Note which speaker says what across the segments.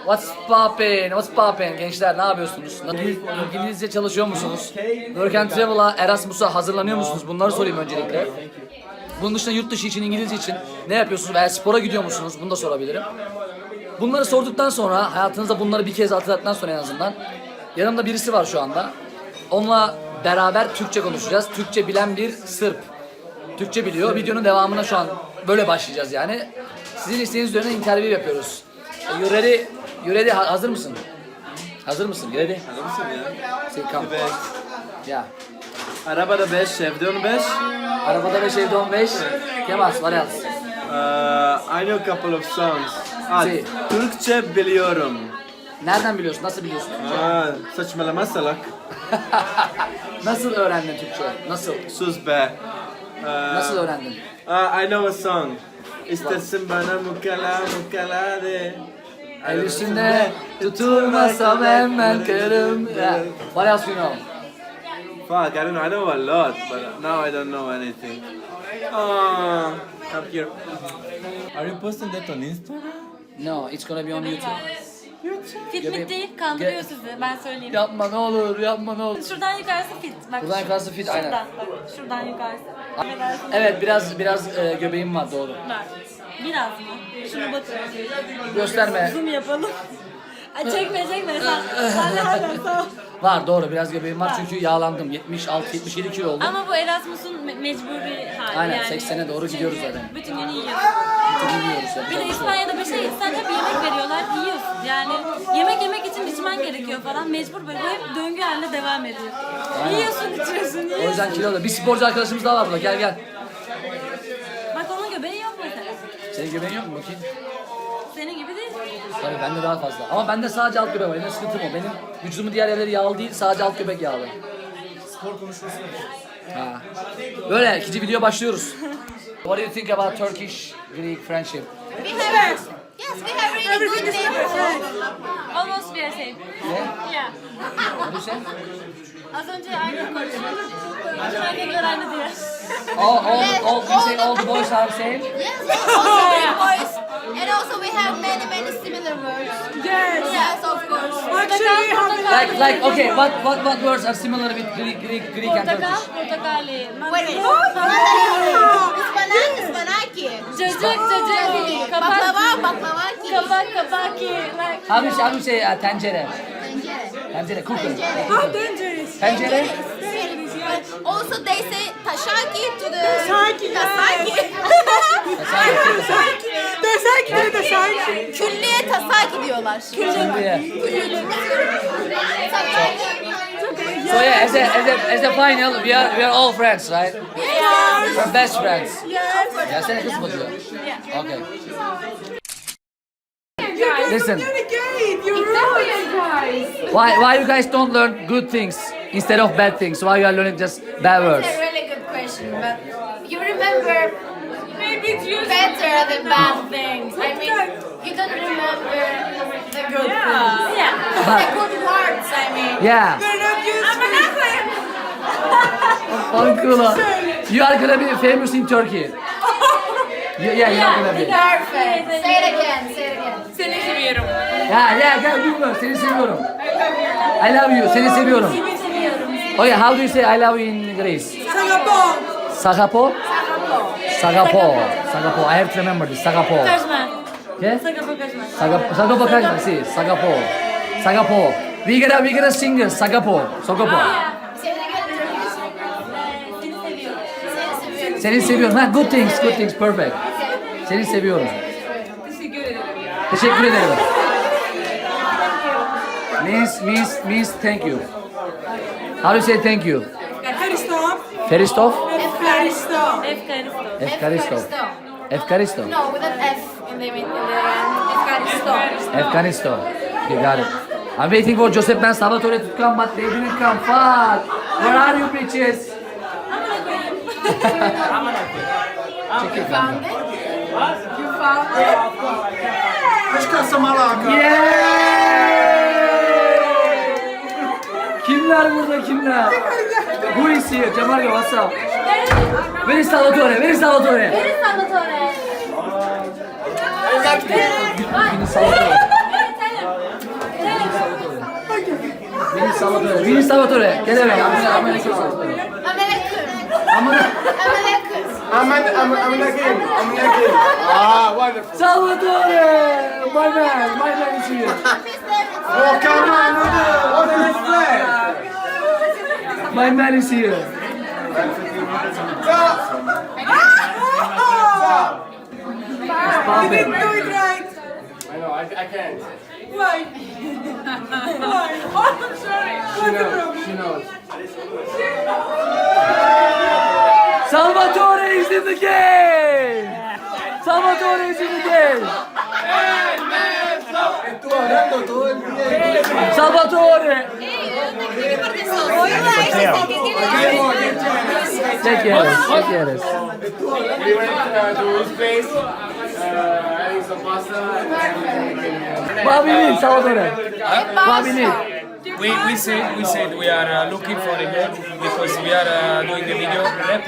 Speaker 1: What's poppin'? What's poppin'? Gençler ne yapıyorsunuz? İngilizce çalışıyor musunuz? Work and Travel'a, Erasmus'a hazırlanıyor musunuz? Bunları sorayım öncelikle. Bunun dışında yurt dışı için, İngilizce için ne yapıyorsunuz veya spora gidiyor musunuz? Bunu da sorabilirim. Bunları sorduktan sonra, hayatınızda bunları bir kez hatırlattıktan sonra en azından yanımda birisi var şu anda. Onunla beraber Türkçe konuşacağız. Türkçe bilen bir Sırp. Türkçe biliyor. Videonun devamına şu an böyle başlayacağız yani. Sizin isteğiniz üzerine interview yapıyoruz. You ready? You ready? Hazır mısın? Hazır mısın? You ready?
Speaker 2: Hazır mısın ya?
Speaker 1: Say come.
Speaker 2: Evet.
Speaker 1: Yeah.
Speaker 2: Arabada 5, evde 15.
Speaker 1: Arabada 5, evde 15. Kemas, what else?
Speaker 2: I know a couple of songs.
Speaker 1: Si.
Speaker 2: Türkçe biliyorum.
Speaker 1: Nereden biliyorsun? Nasıl biliyorsun?
Speaker 2: Saçmalama salak.
Speaker 1: Nasıl öğrendin Türkçe? Nasıl?
Speaker 2: Sus be.
Speaker 1: Nasıl öğrendin?
Speaker 2: I know a song. İstersin bana mukala de.
Speaker 1: El üstünde tutulmasam hemen kırım. Yeah. What else you know?
Speaker 2: Fuck, I know a lot, but now I don't know anything. Come here. Are you posting that on Instagram?
Speaker 1: No, it's gonna be on YouTube.
Speaker 3: Fitlik değil, kandırıyor sizi. Ben söyleyeyim.
Speaker 1: Yapma ne olur, yapma ne olur.
Speaker 3: Şuradan yukarısı fit. Bak,
Speaker 1: Buradan yukarısı fit,
Speaker 3: şuradan,
Speaker 1: aynen.
Speaker 3: Bak, şuradan yukarısı. Affedersin.
Speaker 1: Evet, biraz göbeğim var, doğru.
Speaker 3: Var. Biraz mı? Şuna bakın.
Speaker 1: Gösterme.
Speaker 3: Zoom yapalım. Ay çekme. Sen sağ ol.
Speaker 1: Var, doğru, biraz göbeğim var çünkü yağlandım. 76-77 kilo oldum.
Speaker 3: Ama bu Erasmus'un mecburi hali.
Speaker 1: Aynen,
Speaker 3: yani.
Speaker 1: 80'e doğru gidiyoruz
Speaker 3: Çünkü
Speaker 1: zaten.
Speaker 3: bütün günü yiyorsun.
Speaker 1: Bilmiyoruz ya.
Speaker 3: Bir de İspanya'da bir şey, sen hep yemek veriyorlar, yiyorsun. Yani yemek yemek için içmen gerekiyor falan. Mecbur böyle, bu hep döngü halinde devam ediyor. Yiyorsun, içiyorsun,
Speaker 1: O yüzden kilo da. Bir sporcu arkadaşımız daha var burada, gel.
Speaker 3: Bak onun göbeği yok mesela.
Speaker 1: Senin göbeğin yok mu bakayım?
Speaker 3: Senin gibi değil.
Speaker 1: Tabii bende daha fazla. Ama bende sadece alt göbek var. Benim sıkıntım o. Benim vücudumun diğer yerleri yağlı değil, sadece alt göbek yağlı. Spor konuşması ha. Böyle ikinci video başlıyoruz. What do you think about Turkish-Greek friendship?
Speaker 4: We have, yes, we have really good neighborhood.
Speaker 3: Almost we are same.
Speaker 1: Ne?
Speaker 3: Yeah.
Speaker 1: What do you say?
Speaker 3: Az önce aynı konuşuyorduk. Erkekler aynı diye.
Speaker 1: All the boys are same?
Speaker 4: Yes, also Greek boys. And also we have many similar words. Yes, of course.
Speaker 1: Like okay, what words are similar with Greek and
Speaker 3: Portakal,
Speaker 1: Turkish?
Speaker 3: portakali.
Speaker 4: Wait. Ispanaki.
Speaker 3: Cacık,
Speaker 4: Baklavaki.
Speaker 3: kabaki. Like.
Speaker 1: How do you say tencere? Tencere, cooker. Tencere?
Speaker 4: Also they say tashaki to the tasaki. Külliye tasaki diyorlar.
Speaker 1: Külliye.
Speaker 4: Tasaki.
Speaker 1: So yeah, as a final, we are all friends, right? We're best friends. Ya sen kız mı diyor? Okay. Listen. Why you guys don't learn good things instead of bad things? Why you are learning just bad words?
Speaker 4: That's a really good question, but you remember better the bad things. I mean, you don't remember the good things.
Speaker 3: Yeah.
Speaker 4: The good words, I mean.
Speaker 1: Yeah. Uncle, you are gonna be famous in Turkey. Yeah, you are gonna be.
Speaker 4: Perfect. Say it again, say it again.
Speaker 3: Seni seviyorum.
Speaker 1: Yeah, gel duyma, seni seviyorum. I love you, seni seviyorum. Okay, how do you say I love you in Greece? Sagapo. Sagapo. I have to remember this. Sagapo.
Speaker 3: Kaçma.
Speaker 1: Okay?
Speaker 3: Sagapo kaçma.
Speaker 1: Sagapo kaçma. Si, Sagapo. We gotta sing this. Sagapo.
Speaker 4: Say it again.
Speaker 1: Seni seviyorum. Ha, good things, perfect. Seni seviyorum. Teşekkür ederim. Means thank you. How do you say thank you? Feristov?
Speaker 3: Efkaristo.
Speaker 1: Efkaristo.
Speaker 4: No, with an F in the end.
Speaker 1: Afghanistan. You got it. I'm waiting for Joseph and Salvatore to come, but they didn't come. Fuck. Where are you bitches? Check it out.
Speaker 4: You found it?
Speaker 1: Yeah! Kimler burada kimler? Who is here? Cemal, what's up? Where is Salvatore?
Speaker 3: Beni Salvatore.
Speaker 1: Salvatore. Salvatore. Gel eve.
Speaker 2: Ah, wonderful.
Speaker 1: Salvatore! My man is here.
Speaker 2: Oh, come on, what a nice play.
Speaker 1: My man is here. Stop it.
Speaker 2: I know, I can't.
Speaker 5: Why? Why? Oh, I'm sorry.
Speaker 2: She knows.
Speaker 1: Salvatore is in the game! Salvatore is in the game! Salvatore! Take care.
Speaker 2: We went to his place, having some pasta.
Speaker 1: What we need, Salvatore? What we need?
Speaker 6: We said we are looking for a girl because we are doing a video, rap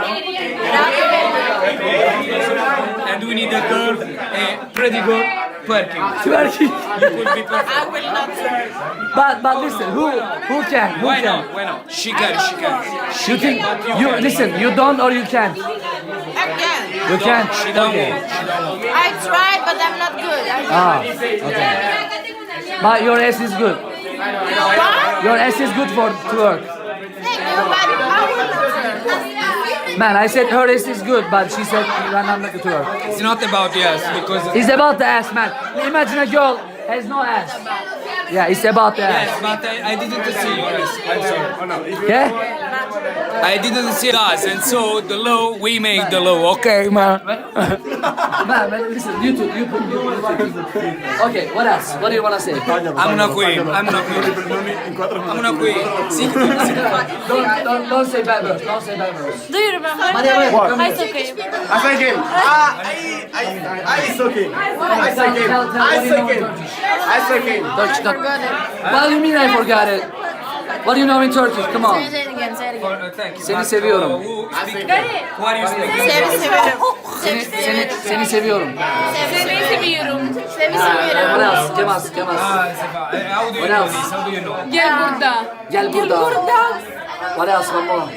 Speaker 6: video, and we need a girl, a pretty girl, twerking.
Speaker 1: Twerking.
Speaker 6: You could be perfect.
Speaker 1: But listen, who can?
Speaker 6: Why not? Why not? She can.
Speaker 1: You think you listen? You don't or you can? You can.
Speaker 6: She don't
Speaker 1: Okay.
Speaker 6: want. She don't want.
Speaker 4: I tried, but I'm not good.
Speaker 1: Ah. Okay. But your ass is good. Your ass is good for twerk.
Speaker 4: Thank you, but I will not.
Speaker 1: Man, I said her ass is good, but she said I'm not good to her.
Speaker 6: It's not about yes because
Speaker 1: It's about the ass, man. Imagine a girl has no ass. Yeah, it's about the ass.
Speaker 6: yes, but I didn't see yours. I'm sorry.
Speaker 1: Okay?
Speaker 6: I didn't see us, and so the law we make the law. Okay, man.
Speaker 1: Man, listen, YouTube. Okay, what else? What do you want to say?
Speaker 6: I'm not queen. I'm not queen. I'm not queen.
Speaker 1: Don't say bad words. Don't say bad words.
Speaker 3: Do you remember?
Speaker 1: Maria,
Speaker 2: What?
Speaker 1: come
Speaker 3: I
Speaker 1: here.
Speaker 3: saw him.
Speaker 2: I like him. Ice okay. I like him. Ice okay. Ice okay.
Speaker 1: What do you mean I forgot it? What do you know in Turkish? Come on.
Speaker 4: Say it again, say it again.
Speaker 6: Thank you.
Speaker 1: Seni seviyorum.
Speaker 6: Who are you speaking?
Speaker 1: Seni seviyorum.
Speaker 4: Seni seviyorum. Seni
Speaker 1: What
Speaker 4: seviyorum.
Speaker 1: else? Kemas.
Speaker 6: How do you
Speaker 1: What
Speaker 6: know
Speaker 1: else?
Speaker 6: this? How do you know?
Speaker 5: Gel burada.
Speaker 1: Gel burada. What else? One more.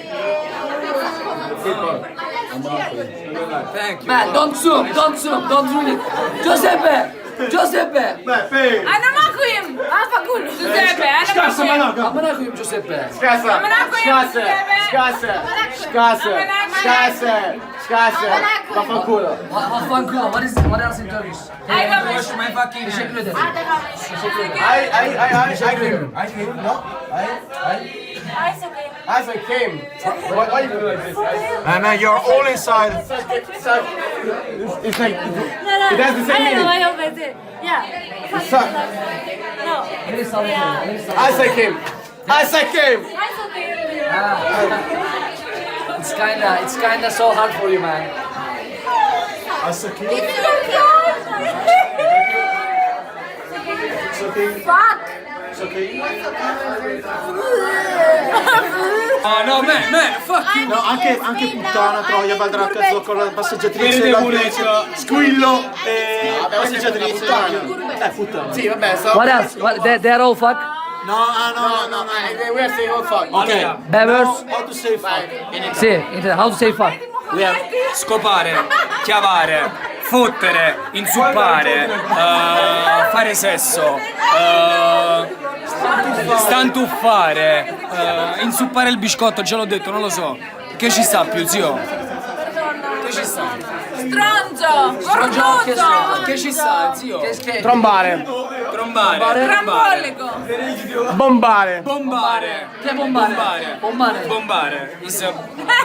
Speaker 6: Thank you.
Speaker 1: Man, don't zoom. Don't ruin it. Giuseppe.
Speaker 5: Anama koyayım. Al fakul. Giuseppe, anama koyayım.
Speaker 1: Amına koyayım Giuseppe.
Speaker 5: Amına koyayım Giuseppe.
Speaker 1: Vaffanculo. What else in Turkish?
Speaker 6: Wash my fucking
Speaker 1: Teşekkür ederim.
Speaker 2: Ice came. What are you doing like this? Man, you're all inside. It's like it has the same
Speaker 3: I know,
Speaker 2: meaning.
Speaker 3: I always did. Yeah.
Speaker 2: Suck.
Speaker 3: No.
Speaker 1: Neresi Salvatore? Neresi Salvatore?
Speaker 2: Ice came. Ice came.
Speaker 3: I saw him.
Speaker 1: It's kinda so hard for you, man.
Speaker 6: No, man, fuck you.
Speaker 2: No, anche puttana, troia, baldracca, zoccola, passeggiatrice,
Speaker 6: Verde muretto.
Speaker 2: squillo, passeggiatrice. Puttana. Sì, vabbè,
Speaker 1: What else? They're all fuck.
Speaker 2: No, we are saying all fuck. Okay.
Speaker 1: Bad words?
Speaker 2: How to say fuck?
Speaker 1: Sì, how to say fuck?
Speaker 6: Scopare, chiavare, fottere, inzuppare, fare sesso, stantuffare, inzuppare il biscotto, già l'ho detto, non lo so. Che ci sta più, zio? Che ci sta?
Speaker 5: Stronzo. Gorduto.
Speaker 6: Che ci sta, zio?
Speaker 2: Trombare.
Speaker 6: Trombare,
Speaker 5: Trambolico.
Speaker 2: Bombare.
Speaker 6: bombare,
Speaker 1: Che è bombare?
Speaker 6: bombare. Is a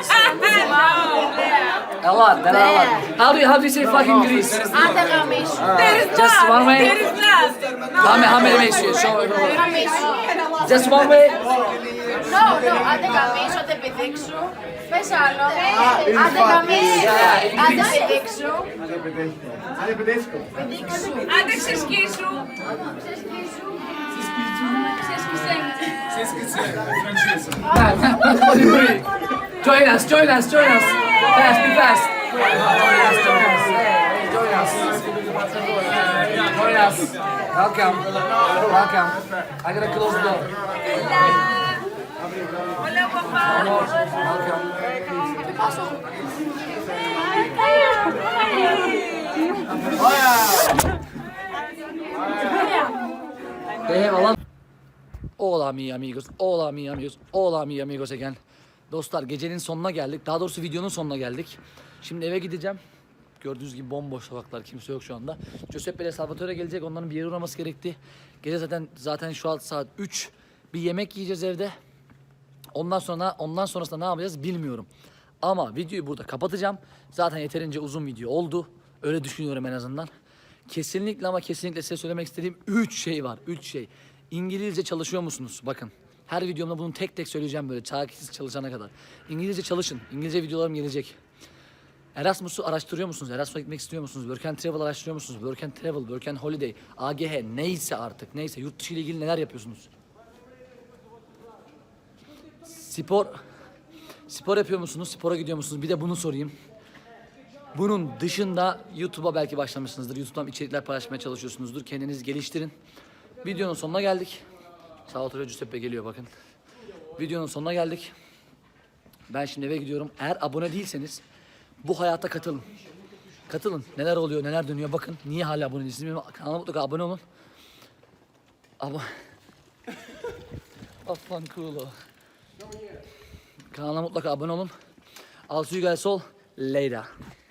Speaker 1: A lot. How do you say fuck in Greece?
Speaker 4: Αντεγαμίσου.
Speaker 5: There is
Speaker 1: Just
Speaker 5: not.
Speaker 1: one way?
Speaker 5: There is not.
Speaker 1: How many ways you show?
Speaker 4: Αντεγαμίσου.
Speaker 1: Just one way?
Speaker 4: No, αντεγαμίσου, αντεπιδείξου. Πες άλλο. Αντεγαμίσου. Αντεπιδείξου.
Speaker 5: Άντε ξεσκίσου.
Speaker 1: What do you doing? Join us. Fast, be fast. Join us. Welcome. I gotta close the door.
Speaker 5: Hola, papá.
Speaker 1: They have a lot. Hola mi amigos, hola mi amigos, hola mi amigos again. Dostlar gecenin sonuna geldik. Daha doğrusu videonun sonuna geldik. Şimdi eve gideceğim. Gördüğünüz gibi bomboş sokaklar, kimse yok şu anda. Giuseppe ile Salvatore gelecek, onların bir yere uğraması gerekti. Gece zaten şu an saat 3. Bir yemek yiyeceğiz evde. Ondan sonrasında ne yapacağız bilmiyorum. Ama videoyu burada kapatacağım. Zaten yeterince uzun video oldu. Öyle düşünüyorum en azından. Kesinlikle ama kesinlikle size söylemek istediğim 3 şey var. 3 şey. İngilizce çalışıyor musunuz? Bakın. Her videomda bunu tek tek söyleyeceğim böyle çaresiz çalışana kadar. İngilizce çalışın. İngilizce videolarım gelecek. Erasmus'u araştırıyor musunuz? Erasmus'a gitmek istiyor musunuz? Work and Travel araştırıyor musunuz? Work and Travel, Work and Holiday, AGH neyse artık neyse yurt dışı ile ilgili neler yapıyorsunuz? Spor yapıyor musunuz? Spora gidiyor musunuz? Bir de bunu sorayım. Bunun dışında YouTube'a belki başlamışsınızdır. YouTube'dan içerikler paylaşmaya çalışıyorsunuzdur. Kendinizi geliştirin. Videonun sonuna geldik. Salvatore Giuseppe geliyor bakın. Videonun sonuna geldik. Ben şimdi eve gidiyorum. Eğer abone değilseniz bu hayata katılın. Katılın. Neler oluyor, neler dönüyor bakın. Niye hala abone değilsiniz? Kanala mutlaka abone olun. Afan cool. Kanala mutlaka abone olun. I'll see you guys all later.